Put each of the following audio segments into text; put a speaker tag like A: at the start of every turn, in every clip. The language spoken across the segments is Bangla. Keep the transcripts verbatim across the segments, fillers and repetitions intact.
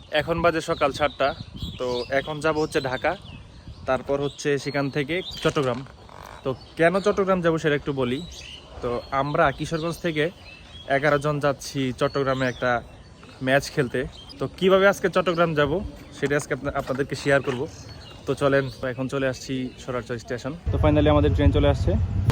A: এখন বাজে সকাল সাতটা। তো এখন যাব হচ্ছে ঢাকা, তারপর হচ্ছে সেখান থেকে চট্টগ্রাম। তো কেন চট্টগ্রাম যাব সেটা একটু বলি। তো আমরা কিশোরগঞ্জ থেকে এগারো জন যাচ্ছি চট্টগ্রামে একটা ম্যাচ খেলতে। তো কিভাবে আজকে চট্টগ্রাম যাব সেটা আজকে আপনাদেরকে শেয়ার করব। তো চলেন, এখন চলে আসছি সরারচর স্টেশন। তো ফাইনালি আমাদের ট্রেন চলে আসছে।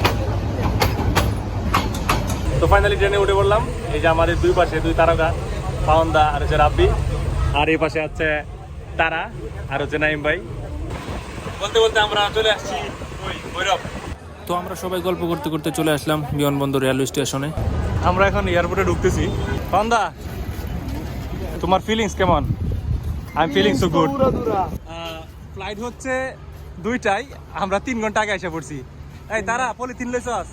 A: তো ফাইনালি ট্রেনে উঠে পড়লাম। এই যে আমাদের দুই পাশে দুই তারকা, পাওন্দা আর হচ্ছে রাব্বি, আর এই পাশে আছে তারা আর হচ্ছে নাইম ভাই। বলতে বলতে আমরা চলে আসছি ভৈরব।
B: তো আমরা সবাই গল্প করতে করতে চলে আসলাম বিমানবন্দর রেলওয়ে স্টেশনে।
A: আমরা এখন এয়ারপোর্টে ঢুকতেছি। পাওন্দা, তোমার ফিলিংস কেমন? I am feeling so good. Flight হচ্ছে দুইটাই, আমরা তিন ঘন্টা আগে এসে পড়ছি। এই তারা পলিথিন লইছস?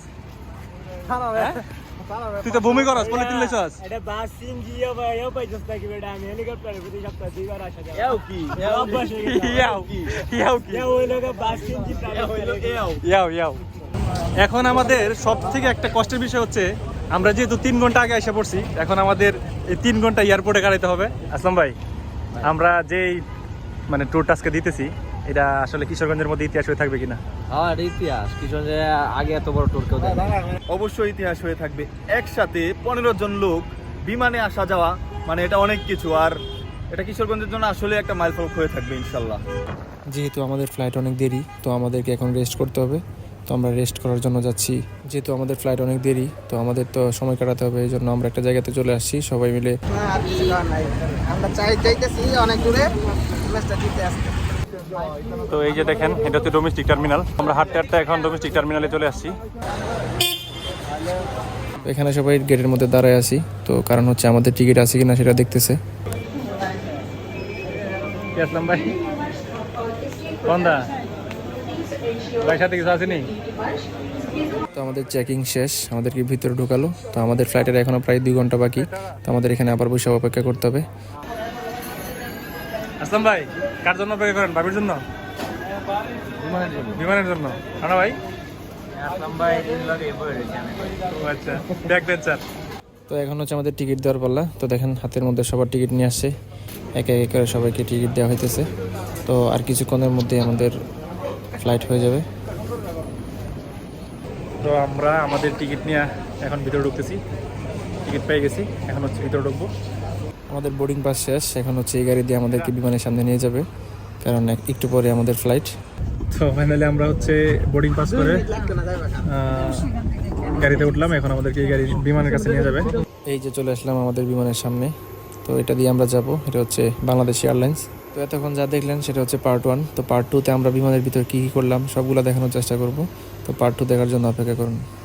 A: তুই তো ভূমি করস, পলিথিন লইছস?
C: এটা বাস সিন জিও ভাই ও পাইছস নাকি বেটা? আমি হেলিকপ্টারে প্রতি সপ্তাহে দুইবার আসা যায়। এও কি অভ্যাস হয়ে গেছে।
A: ইয়াও ইয়াও কি
C: এও হইলো বাস সিন জি প্রাইভেট হইলো এও
A: ইয়াও ইয়াও। এখন আমাদের সব থেকে একটা কষ্টের বিষয় হচ্ছে আমরা যেহেতু তিন ঘন্টা আগে এসে পড়ছি, এখন আমাদের এই তিন ঘন্টা এয়ারপোর্টে কাটাইতে হবে। আসলাম ভাই, আমরা যেই মানে ট্যুরটা আজকে দিতেছি এটা আসলে কিশোরগঞ্জের মধ্যে ইতিহাস হয়ে থাকবে কিনা?
C: হ্যাঁ এটা ইতিহাস। কিশোরগঞ্জে আগে এত বড় ট্যুর কেউ দেয় না।
D: অবশ্যই ইতিহাস হয়ে থাকবে। একসাথে পনেরো জন লোক বিমানে আসা যাওয়া মানে এটা অনেক কিছু। আর এটা কিশোরগঞ্জের জন্য আসলে একটা মাইলফলক হয়ে থাকবে ইনশাল্লাহ।
B: যেহেতু আমাদের ফ্লাইট অনেক দেরি, তো আমাদেরকে এখন রেস্ট করতে হবে। তো আমরা রেস্ট করার জন্য যাচ্ছি। যেহেতু আমাদের ফ্লাইট অনেক দেরি, তো আমাদের তো সময় কাটাতে হবে, এই জন্য আমরা একটা জায়গাতে চলে আসছি সবাই মিলে।
C: আমরা চাই যাইতেছি অনেক দূরে ম্যাচটা জিতে আসতে।
A: তো এই যে দেখেন, এটা হচ্ছে ডোমেস্টিক টার্মিনাল। আমরা হাঁটতে হাঁটতে এখন ডোমেস্টিক টার্মিনালে চলে আসছি।
B: এখানে সবাই গেটের মধ্যে দাঁড়ায় আছি, তো কারণ হচ্ছে আমাদের টিকিট আছে কিনা সেটা দেখতেছে।
A: আসলাম ভাই, পাওন্দা ভাই সাথে কিছু আসেনি?
B: তো আমাদের চেকিং শেষ, আমাদেরকে ভিতরে ঢোকালো। তো আমাদের ফ্লাইটের এখনো প্রায় দুই ঘন্টা বাকি, তো আমাদের এখানে আবার বসে অপেক্ষা করতে হবে।
A: আসলাম ভাই, কার জন্য অপেক্ষা করেন? ভাবির জন্য? বিমানের জন্য? না ভাই,
C: আসলাম ভাই দিন লাগে বই
A: ও আচ্ছা, ব্যাক বেঞ্চার।
B: তো এখন হচ্ছে আমাদের টিকিট দেওয়ার পাল্লা। তো দেখেন হাতের মধ্যে সবার টিকিট নিয়ে আসছে, একে একে করে সবাইকে টিকিট দেওয়া হইতেছে। তো আর কিছুক্ষণের মধ্যে আমাদের ফ্লাইট হয়ে যাবে।
A: তো আমরা আমাদের টিকিট নিয়ে এখন ভিতরে ঢুকতেছি। টিকিট পেয়ে গেছি, এখন হচ্ছে ভিতরে ঢুকবো।
B: আমাদের বোর্ডিং পাস শেষ, এখন হচ্ছে এই গাড়ি দিয়ে আমাদেরকে বিমানের সামনে নিয়ে যাবে, কারণ এক- একটু পরে আমাদের ফ্লাইট।
A: তো ফাইনালি আমরা হচ্ছে বোর্ডিং পাস করে আহ, গাড়িতে উঠলাম। এখন আমাদেরকে এই গাড়ি বিমানের কাছে নিয়ে যাবে।
B: এই যে চলে আসলাম আমাদের বিমানের সামনে। তো এটা দিয়ে আমরা যাব, এটা হচ্ছে বাংলাদেশ এয়ারলাইন্স। তো এতক্ষণ যা দেখলেন সেটা হচ্ছে পার্ট ওয়ান। তো পার্ট টুতে আমরা বিমানের ভিতর কী কী করলাম সবগুলো দেখানোর চেষ্টা করব। তো পার্ট টু দেখার জন্য অপেক্ষা করুন।